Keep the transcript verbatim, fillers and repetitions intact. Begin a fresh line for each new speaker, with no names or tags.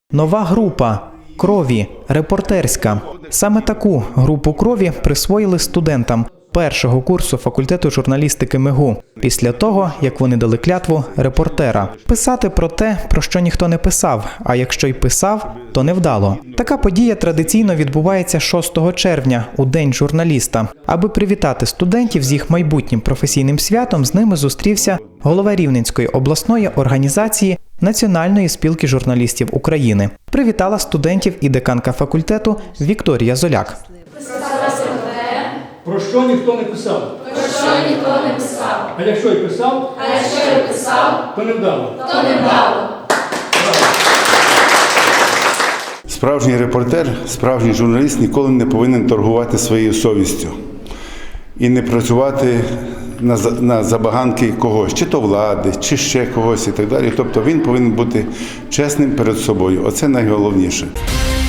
Нова група крові, репортерська. Саме таку групу крові присвоїли студентам першого курсу факультету журналістики МИГУ, після того, як вони дали клятву репортера. Писати про те, про що ніхто не писав, а якщо й писав, то невдало. Така подія традиційно відбувається шостого червня, у День журналіста. Аби привітати студентів з їх майбутнім професійним святом, з ними зустрівся голова Рівненської обласної організації Національної спілки журналістів України. Привітала студентів і деканка факультету Вікторія Золяк.
Про що ніхто не писав?
Про що ніхто не писав?
А якщо й писав?
А якщо й писав?
То невдало.
То невдало.
Справжній репортер, справжній журналіст ніколи не повинен торгувати своєю совістю і не працювати на, на забаганки когось, чи то влади, чи ще когось і так далі. Тобто він повинен бути чесним перед собою. Оце найголовніше.